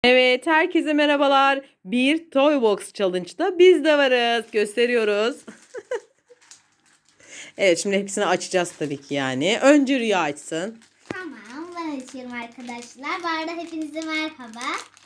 Evet, herkese merhabalar. Bir Toy Box Challenge'da biz de varız. Gösteriyoruz. Evet, şimdi hepsini açacağız tabii ki yani. Önce Rüya açsın. Tamam, ben açıyorum arkadaşlar. Bu arada hepinize merhaba.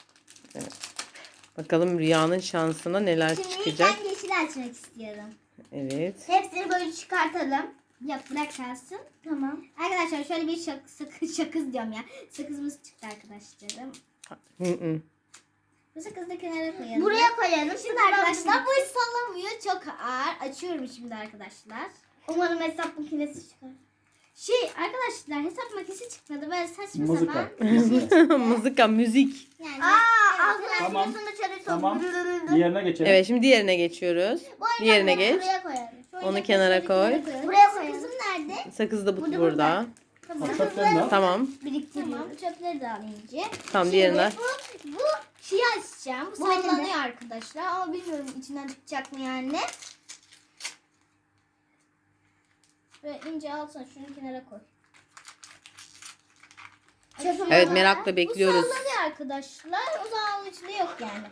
Bakalım Rüya'nın şansına neler Şimdi çıkacak. ben yeşil açmak istiyorum. Evet. Hepsini böyle çıkartalım. Yok, bırak kalsın. Tamam. Arkadaşlar şöyle bir sakız diyorum ya. Sakızımız çıktı arkadaşlarım. Hı. Bu sakızı da kenara koyalım. Buraya koyalım. Şimdi arkadaşlar bu hiç sallamıyor. Çok ağır. Açıyorum şimdi arkadaşlar. Umarım hesap makinesi çıkar. Arkadaşlar hesap makinesi çıkmadı. Böyle saçma Mızıka. sapan bir şey çıktı. Mızıka, müzik. Yani, Tamam. Tamam. Diğerine geçelim. Evet, şimdi diğerine geçiyoruz. Diğerine geç. Buraya koyalım. Onu kenara koy. Buraya koyalım. Sakızım nerede? Sakız da Burada. burada. Tamam. Çöplerini al. Tamam. Biriktiriyorum. Tamam. Çöpleri de alayım. Tamam, diğerine. Bu şeyi açacağım. Bu sallanıyor arkadaşlar. Ama bilmiyorum içinden çıkacak mı yani. Böyle ince alsana, şunu kenara koy. Evet, merakla bekliyoruz. Bu sallanıyor arkadaşlar. O zaman onun içinde yok yani.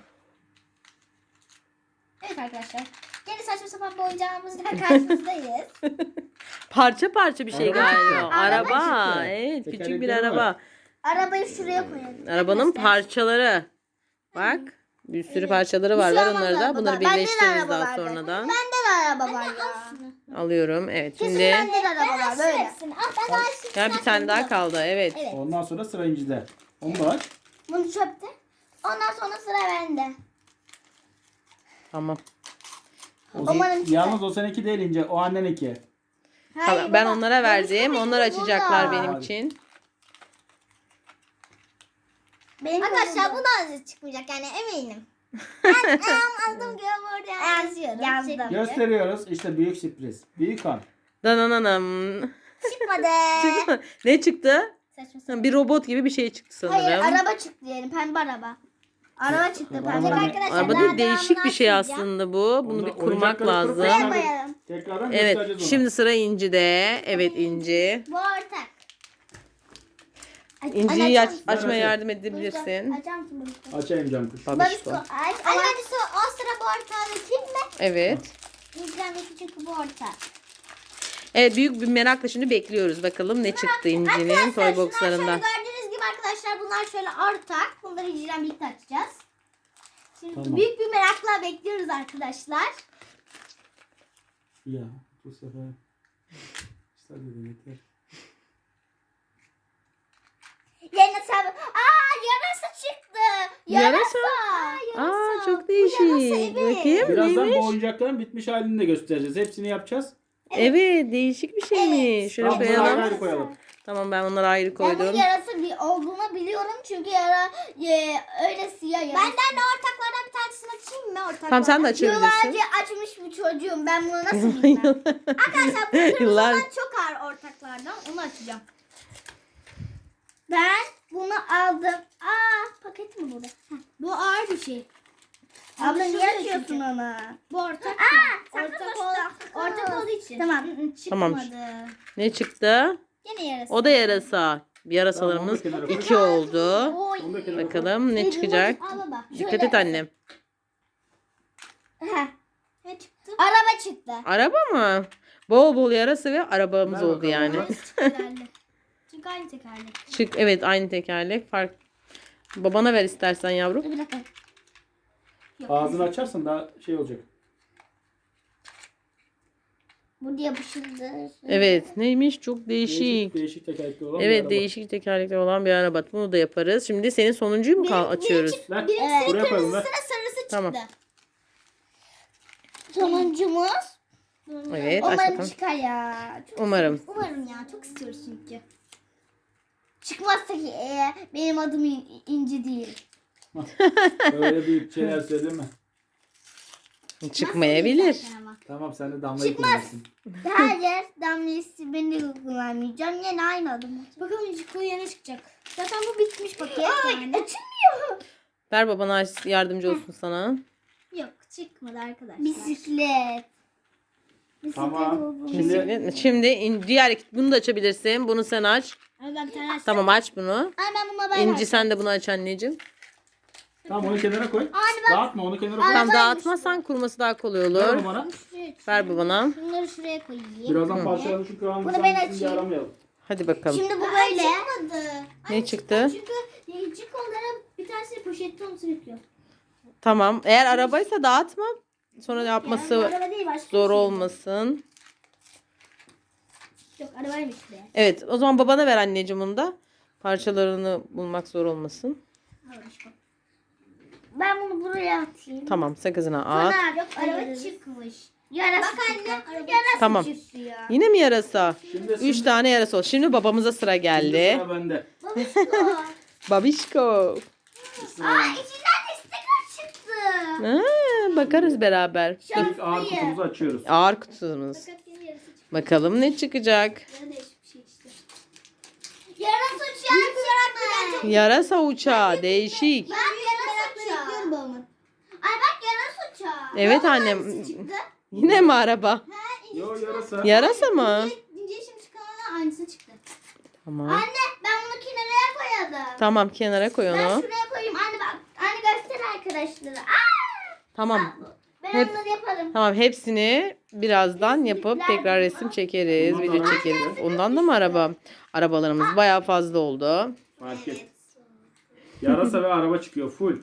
Evet arkadaşlar. Gene saçma sapan bir oyuncağımızla karşınızdayız. Parça parça bir şey Araba galiba. çıktı. Araba. Araba çıktı. Evet, küçük bir Tekerlekleri araba. var. Arabayı şuraya koyalım. Arabanın parçaları. Bak. Bir sürü parçaları var. Bir şey Ver olmaz onları da. arabada. Bunları Bende de birleştiririz araba daha vardı. sonradan. Bende de araba var ya. Alıyorum. Evet, Kesin şimdi bende de araba var böyle. ya bir tane daha kaldı. Evet. Evet. Ondan sonra sıra İnci'de. Onu da aç. Bunu çöpte. Ondan sonra sıra bende. Tamam. Umarım çıkar. Yalnız o seninki değil İnci. O anneninki. Hayır, Ben baba. onlara verdim. Onlar açacaklar burada. benim için. Arkadaşlar bu da az çıkmayacak yani eminim. Ben aldım gibi burada yazıyorum. Gösteriyoruz. İşte büyük sürpriz. Büyük an. Dananam. Çıkmadı. Ne çıktı? Saçma sapan. Bir robot gibi bir şey çıktı Hayır, sanırım. araba çıktı diyelim, pembe araba. Araba çıktı pembe. Araba ne? Arkadaşlar, Araba daha değil, değişik devamını bir şey açmayacağım. aslında bu. Bunu Onu- bir kurmak oyuncakları lazım. kurup Buraya koyalım. Tekrardan Evet. göstereceğiz onu. Şimdi sıra İnci'de. Evet, İnci. Bu ortak. İnci'yi Açar mısın? açmaya Evet. yardım edebilirsin. Açar mısın bunu? Açayım cam kuş. Babişko. Aç. Hadi o sıra bu ortağı kim mi? Evet. İzlenmesi çünkü bu ortak. Evet, büyük bir merakla şimdi bekliyoruz. Bakalım ne çıktı İnci'nin toy boxlarından. Şöyle gördüğünüz gibi arkadaşlar bunlar şöyle ortak. Bunları İnci'den birlikte açacağız. Şimdi Tamam. büyük bir merakla bekliyoruz arkadaşlar. Ya bu sefer. İşte dedi yeter. Yarasa çıktı. Yarasa. Yarasa. Aa, çok Bu değişik. yarasa, evet. Bakayım Birazdan neymiş? bu oyuncakların bitmiş halini de göstereceğiz. Hepsini yapacağız. Evet, değişik bir şeymiş. Şöyle Tamam, bunları ayrı koyalım. ayrı koyalım. Tamam, ben onları ayrı Ben koydum. bunun yarasa bir olduğunu biliyorum çünkü öyle siyah yarasa. Benden de ortaklardan bir tanesini açayım mı ortaklardan? Tamam, sen de açabilirsin. Yıllarca açmış bir çocuğum. Ben bunu nasıl bilmem? Arkadaşlar bu kırmızı Yıllar- olan çok ağır ortaklardan. Onu açacağım. Ben bunu aldım. Paket mi burada? Bu ağır bir şey. Abla niye açıyorsun onu? Bu ortak. Ortak olduğu için. Tamam. Çıkmadı. Tamam. Ne çıktı? Yine yarasa. O da yarasa. Yarasalarımız Tamam, onu da kenara 2 oldu. Oy. Onu da kenara koy. Bakalım ne çıkacak. Al baba. Dikkat et annem. Ne çıktı? Araba çıktı. Araba mı? Bol bol yarasa ve arabamız Ver oldu bakalım. yani. Çünkü aynı tekerlek. Çık, evet, aynı tekerlek. Babana ver istersen yavrum. Dur bir dakika. Yok. Ağzını açarsan daha şey olacak. Bu diye yapışıldı. Evet, neymiş? Çok değişik. Değişik tekerlekli olan bir Evet, araba. değişik tekerlekli olan bir araba. Bunu da yaparız. Şimdi senin sonuncuyu mu açıyoruz? Ver. Birincisi Buraya koyalım ver. sıra sarısı çıktı. Tamam. Sonuncumuz. Evet, aç Umarım bakalım. çıkar ya. Umarım. Umarım ya. Çok istiyoruz çünkü. Çıkmazsa ki benim adım İnci değil. Öyle büyük şeyler söyleme. Çıkmayabilir. Zaten ama. Tamam sen de damlayı Çıkmaz. kullanırsın. Hayır. Damlisi beni kullanmayacağım. Yine aynı adım olacak. Bakalım İnci yeni çıkacak. Zaten bu bitmiş paket yani. Açılmıyor. Ver babana yardımcı olsun sana. Yok çıkmadı arkadaşlar. Bisiklet. Tamam. Şimdi diğer bunu da açabilirsin. Bunu sen aç. Ay ben bir tane açtım. Tamam, aç bunu. Ay ben bununla İnci sen de bunu aç anneciğim. Tamam onu kenara koy. Dağıtma onu kenara koy. Tamam, dağıtmazsan kurması daha kolay Ver olur. onu bana. Ver bu bana. Bunları şuraya koyayım. Birazdan parçalarını şu kıvamını Bunu ben bir açayım. aramayalım. Hadi bakalım. Şimdi bu böyle. Çıkmadı. Ne çıktı? Çünkü değişik olarak bir tanesi poşette onu sürüklüyor. Tamam. Eğer arabaysa dağıtma. Sonra yapması Araba değil, başka zor bir şey. olmasın. Yok, arabaymış be. Evet, o zaman babana ver anneciğim onu da. Parçalarını bulmak zor olmasın. Ben bunu buraya atayım. Tamam, sakızına at. Yok, araba çıkmış. Yarası bak anne, yarası Tamam. çıktı ya. Yine mi yarasa? Şimdi 3 tane yarasa oldu. Şimdi babamıza sıra geldi. Sıra bende. Babişko. Aa, içinden de sticker çıktı. Ha, bakarız beraber. İlk ağır kutumuzu açıyoruz. Ağır kutumuz. Paketinin yarısı çıktı. Bakalım ne çıkacak? Ya değişik bir şey işte. Yarası uçağı çıktı. Yarasa uçağı. Değişik. Ben yarası uçağı. Babamın. Ay bak yarası uçağı. Evet Babamın annem. aynısı çıktı. Yine mi araba? Yo yarasa. Yarasa mı? İnce işim çıkanına aynısı çıktı. Tamam. Anne ben bunu kenara koyalım. Tamam, kenara koy Ben onu. şuraya koyayım. Anne bak. Anne göster arkadaşlara. Aa! Tamam. Ben Hep- onları yaparım. Tamam, hepsini birazdan yapıp tekrar resim çekeriz, Ondan da video araba çekeriz. çıktı. Ondan da mı araba? Arabalarımız bayağı fazla oldu. Fark et. Yarasa ve araba çıkıyor full.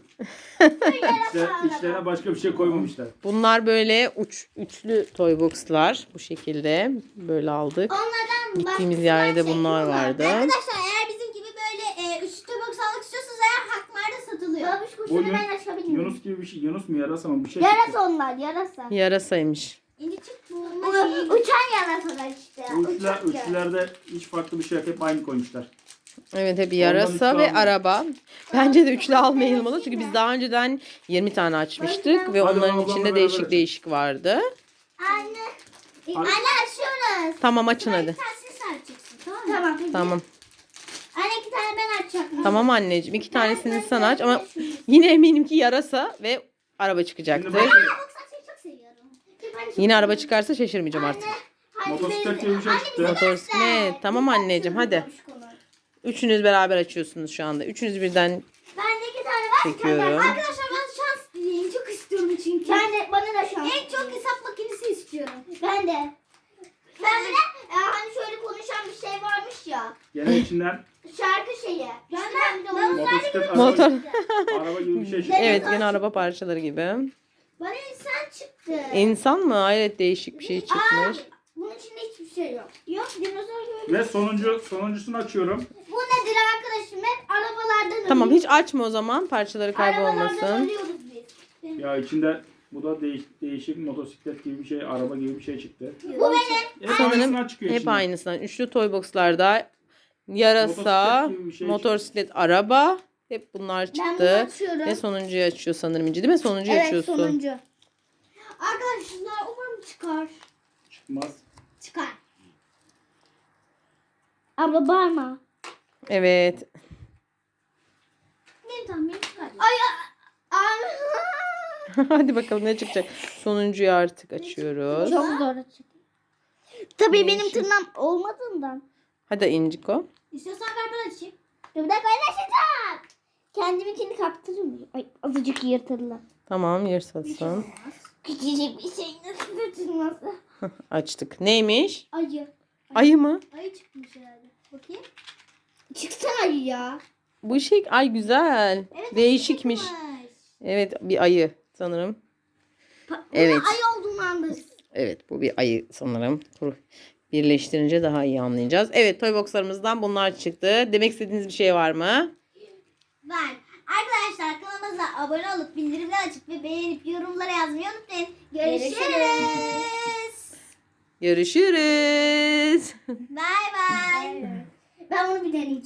İçlerine başka bir şey koymamışlar. Bunlar böyle üçlü toy box'lar. Bu şekilde böyle aldık. Onlardan Gittiğimiz başka yerde şey bunlar yok. vardı. Arkadaşlar eğer bizim gibi böyle üçlü box almak istiyorsanız eğer Hakmar'da satılıyor. Babuş Bu kuşunu ben açabilir miyim? Yunus gibi bir şey. Yunus mu yarasa mı bir şey çıktı. Yarasa onlar yarasa. Yarasaymış. İnci çıktı. Uçan yarasalar işte. Üçlülerde hiç farklı bir şey yok. Hep aynı koymuşlar. Evet, hep üçlü yarasa ve almayın. araba. Bence de üçlü almayılmalı. Çünkü biz daha önceden 20 tane açmıştık ve Hadi onların ablamla içinde beraber değişik açalım. değişik vardı. Anne. Anne açıyoruz. Tamam, açın hadi. Bir tanesini sen açacaksın tamam mı? Tamam. Tamam. Anne 2 tane ben açacaktım. Tamam anneciğim. 2 tanesini sen aç ama yine eminim ki yarasa ve araba çıkacaktır. Şimdi Box açmayı çok seviyorum. Ben çok Yine araba çıkarsa şaşırmayacağım artık. Hadi Motosiklet benim- gibi bir şey Anne, çıktı. bize Motosiklet. Tamam anneciğim, hadi. Üçünüz beraber açıyorsunuz şu anda. Üçünüz birden Ben de 2 tane var. Çekiyorum. Arkadaşlar ben şans dileyim. Çok istiyorum çünkü. Ben de bana da şans. En çok hesap makinesi istiyorum. Ben de. Ben de hani şöyle konuşan bir şey varmış ya. Gene içinden Şarkı şeyi. Ben de onu motosiklet araba, motor. araba gibi bir şey çıktı. Evet, yine araba parçaları gibi. bana insan çıktı. İnsan mı? Hayret, değişik bir şey çıkmış. Bunun içinde hiçbir şey yok. Yok dinozor gibi. Ve sonuncusunu açıyorum. Bu nedir arkadaşım? Hep arabalardan Tamam, ölüyoruz. hiç açma o zaman. Parçaları Arabalardan kaybolmasın. ölüyoruz biz. Ya içinde bu da değişik motosiklet gibi bir şey, araba gibi bir şey çıktı. Bu benim. Hep Sanırım aynısından çıkıyor hep içinden. aynısından. Üçlü toy box'larda yarasa, Motosiklet gibi bir şey motosiklet, araba. Hep bunlar Ben bunu çıktı. açıyorum. Ve sonuncuyu açıyor sanırım İnci, değil mi? Sonuncuyu Evet açıyorsun. sonuncu. Arkadaşlar umarım çıkar. Çıkmaz. Çıkar. Abla bağırma. Evet. Benim tahminim çıkar. Ay Hadi bakalım ne çıkacak. Sonuncuyu artık açıyoruz. Çok zor açık. Tabii benim tırnağım olmadığından. Hadi İnciko. İstiyorsan ver ben açayım. Dur bir dakika ben açacağım. Kendiminkini kaptırır mıyım? Ay azıcık yırtıldı. Tamam, yırtasın. Küçücük bir şey nasıl yırtılması? Açtık. Neymiş? Ayı. Ayı mı? Ayı çıkmış herhalde. Bakayım. Çıksana ayı ya. Bu şey, ay güzel. Değişikmiş. Evet, bir ayı sanırım. Evet. Ayı olduğunu anlarız. Evet, bu bir ayı sanırım. Birleştirince daha iyi anlayacağız. Evet, toy boxlarımızdan bunlar çıktı. Demek istediğiniz bir şey var mı? Var. Arkadaşlar kanalımıza abone olup bildirimleri açıp ve beğenip yorumlara yazmayı unutmayın. Görüşürüz. Görüşürüz. Bay bay. Ben bunu bir deneyeceğim.